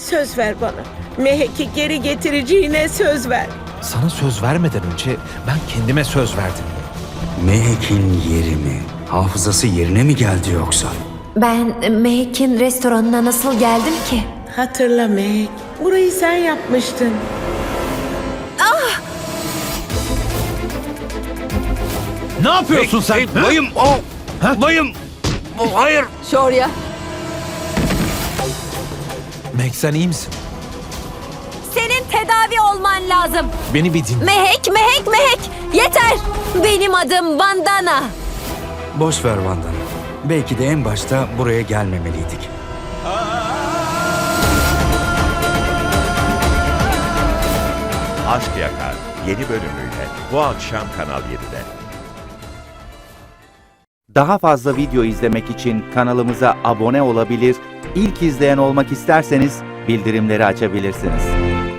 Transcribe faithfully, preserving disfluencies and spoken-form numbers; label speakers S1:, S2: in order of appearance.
S1: Söz ver bana. Mehek'i geri getireceğine söz ver.
S2: Sana söz vermeden önce ben kendime söz verdim.
S3: Mehek'in yeri mi? Hafızası yerine mi geldi yoksa?
S4: Ben Mehek'in restoranına nasıl geldim ki?
S1: Hatırla Mehek. Burayı sen yapmıştın.
S2: Ne yapıyorsun sen?
S3: Hey,
S2: Ha?
S3: bayım o!
S2: Ha?
S3: Bayım! O, hayır!
S4: Şorya.
S2: Meg sen iyi misin?
S4: Senin tedavi olman lazım.
S2: Beni bir dinle.
S4: Mehek, Mehek, Mehek. Yeter. Benim adım Vandana.
S3: Boş ver Vandana. Belki de en başta buraya gelmemeliydik.
S5: Aşk Yakar yeni bölümüyle bu akşam Kanal yedide.
S6: Daha fazla video izlemek için kanalımıza abone olabilir, ilk izleyen olmak isterseniz bildirimleri açabilirsiniz.